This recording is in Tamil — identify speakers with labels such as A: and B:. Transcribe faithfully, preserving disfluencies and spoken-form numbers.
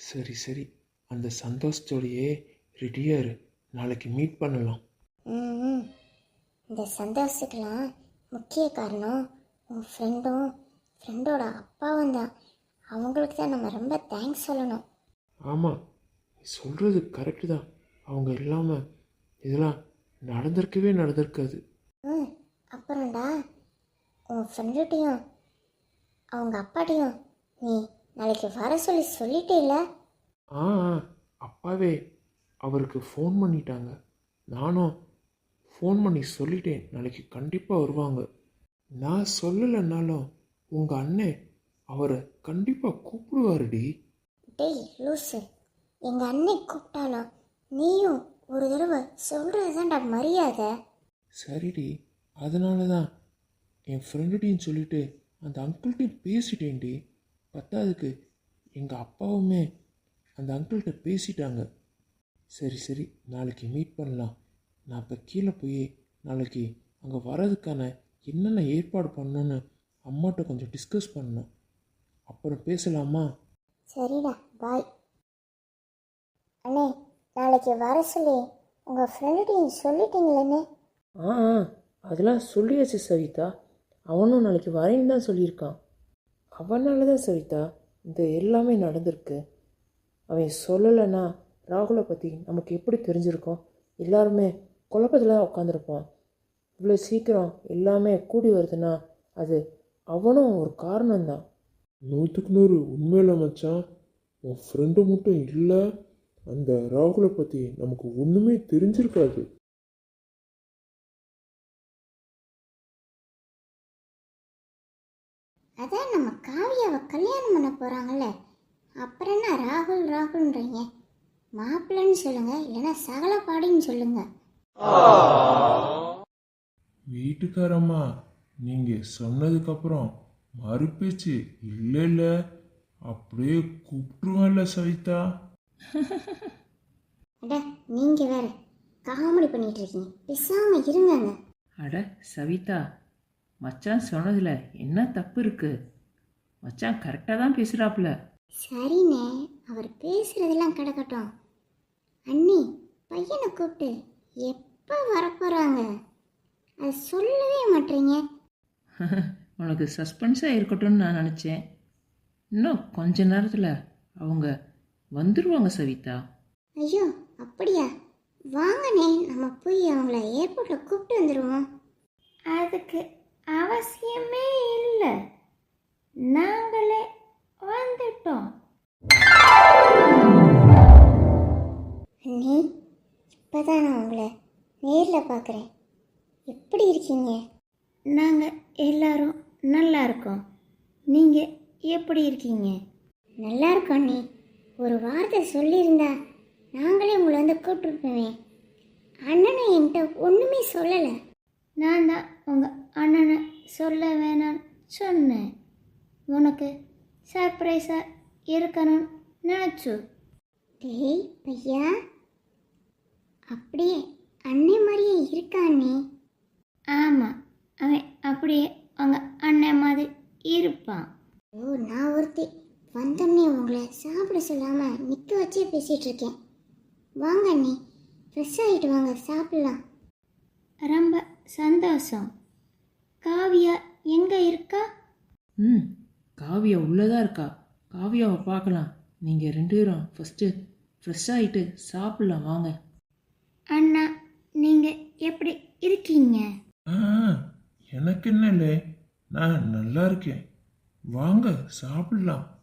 A: சரி சரி, அந்த சந்தோஷத்தோடையே ரெடியாக இரு, நாளைக்கு மீட் பண்ணலாம்.
B: ம் ம். இந்த சந்தோஷத்துக்கெலாம் முக்கிய காரணம் உன் ஃப்ரெண்டும் ஃப்ரெண்டோட அப்பாவும் தான். அவங்களுக்கு தான் நம்ம ரொம்ப தேங்க்ஸ் சொல்லணும்.
A: ஆமாம், நீ சொல்கிறது கரெக்டு தான். அவங்க இல்லாமல் இதெல்லாம் நடந்திருக்கவே நடந்திருக்காது.
B: ம். அப்புறம்டா, உன் ஃப்ரெண்டுகிட்டையும் அவங்க அப்பாட்டையும் நீ நாளைக்கு வர சொல்லி சொல்லிட்டே.
A: ஆ ஆ, அப்பாவே அவருக்கு ஃபோன் பண்ணிட்டாங்க. நானும் ஃபோன் பண்ணி சொல்லிட்டேன், நாளைக்கு கண்டிப்பாக வருவாங்க. நான் சொல்லலைன்னாலும் உங்கள் அண்ணன் அவரை கண்டிப்பாக கூப்பிடுவாருடி.
B: டேய் லூசு, எங்கள் அன்னை கூப்பிட்டாலும் நீயும் ஒரு தடவை சொல்கிறது தான்டா மரியாதை.
A: சரிடி, அதனால தான் என் ஃப்ரெண்டுகிட்டையும் சொல்லிவிட்டு அந்த அங்கிள்கிட்டையும் பேசிட்டேன்டி. பத்தாவதுக்கு எங்கள் அப்பாவுமே அந்த அங்கிள்கிட்ட பேசிட்டாங்க. சரி சரி, நாளைக்கு மீட் பண்ணலாம். நான் இப்போ கீழே போய் நாளைக்கு அங்கே வர்றதுக்கான என்னென்ன ஏற்பாடு பண்ணணுன்னு அம்மாட்ட கொஞ்சம் டிஸ்கஸ் பண்ணணும். அப்புறம் பேசலாமா?
B: சரிடா, பாய். அண்ணே, நாளைக்கு வர சொல்லி உங்கள் ஃப்ரெண்டுகிட்டையும் சொல்லிட்டீங்களேண்ணே?
C: ஆ ஆ, அதெல்லாம் சொல்லியாச்சு சவிதா. அவனும் நாளைக்கு வரேன்னு தான் சொல்லியிருக்கான். அவனால தான் சவிதா இந்த எல்லாமே நடந்திருக்கு. அவன் சொல்லலைன்னா ராகுலை பற்றி நமக்கு எப்படி தெரிஞ்சிருக்கோம்? எல்லாருமே குழப்பத்தில் தான் உட்காந்துருப்போம். இவ்வளோ சீக்கிரம் எல்லாமே கூடி வருதுன்னா அது அவனும் ஒரு காரணம்தான்.
A: நூற்றுக்கு நூறு உண்மையில மச்சான், உன் ஃப்ரெண்டு மட்டும் இல்லை, அந்த ராகுலை பற்றி நமக்கு ஒன்றுமே தெரிஞ்சிருக்காது.
B: அதான் நம்ம காவியாவை கல்யாணம் பண்ண போகிறாங்கல்ல, அப்புறம் என்ன ராகுல் ராகுல்ன்றீங்க? மாப்பிள்ளைன்னு சொல்லுங்க, இல்லைன்னா சகல பாடின்னு சொல்லுங்க.
A: வீட்டுக்காரம்மா, நீங்கள் சொன்னதுக்கப்புறம் மறுபேச்சு இல்லை இல்லை, அப்படியே கூப்பிட்டுருவேன்ல சவிதா.
B: அட நீங்கள் வேற காமெடி பண்ணிட்டு இருக்கீங்க, பேசாமல் இருங்கங்க.
C: அட சவிதா, மச்சான் சொன்னதில் என்ன தப்பு இருக்குது? மச்சான் கரெக்டாக தான் பேசுகிறாப்புல.
B: சரிண்ணே, அவர் பேசுறதெல்லாம் கிடக்கட்டும். அண்ணி, பையனை கூப்பிட்டு எப்போ வரப்போகிறாங்க அது சொல்லவே மாட்டீங்க.
C: உனக்கு சஸ்பென்ஸாக இருக்கட்டும்னு நான் நினச்சேன். இன்னும் கொஞ்ச நேரத்தில் அவங்க வந்துடுவாங்க சவிதா.
B: ஐயோ அப்படியா? வாங்கண்ணே, நம்ம போய் அவங்கள ஏர்போர்ட்டில் கூப்பிட்டு வந்துடுவோம். அதுக்கு அவசியமே இல்லை, நாங்களே வந்துட்டோம். அண்ணி, இப்போதான் நான் உங்களை நேரில் பார்க்குறேன். எப்படி இருக்கீங்க? நாங்கள் எல்லாரும் நல்லா இருக்கோம். நீங்கள் எப்படி இருக்கீங்க? நல்லா இருக்கோம் அண்ணி. ஒரு வார்த்தை சொல்லியிருந்தா நாங்களே உங்களை வந்து கூப்பிட்டுருப்போமே. அண்ணனை என்கிட்ட ஒன்றுமே சொல்லலை. நான் தான் உங்கள் அண்ணனை சொல்ல வேணான்னு சொன்னேன். உனக்கு சர்ப்ரைஸாக இருக்கணும்னு நினச்சோ. டேய் பையா, அப்படியே அண்ணன் மாதிரியே இருக்கா அண்ணே? ஆமாம், அவன் அப்படியே அவங்க அண்ணன் மாதிரி இருப்பான். ஓ, நான் ஒருத்தி வந்தோடனே உங்களை சாப்பிட சொல்லாமல் நிற்க வச்சே பேசிகிட்டு இருக்கேன். வாங்க அண்ணி, ஃப்ரெஷ் ஆகிட்டு வாங்க, சாப்பிட்லாம். ரொம்ப சந்தோஷம். காவியா எங்கே இருக்கா?
C: ம், காவியா உள்ளதாக இருக்கா. காவியாவை பார்க்கலாம். நீங்கள் ரெண்டு பேரும் ஃபஸ்ட்டு ஃப்ரெஷ் ஆகிட்டு சாப்பிட்லாம் வாங்க.
B: அண்ணா, நீங்கள் எப்படி இருக்கீங்க?
A: ஆ, எனக்கு என்ன இல்லை, நான் நல்லா இருக்கேன். வாங்க சாப்பிடலாம்.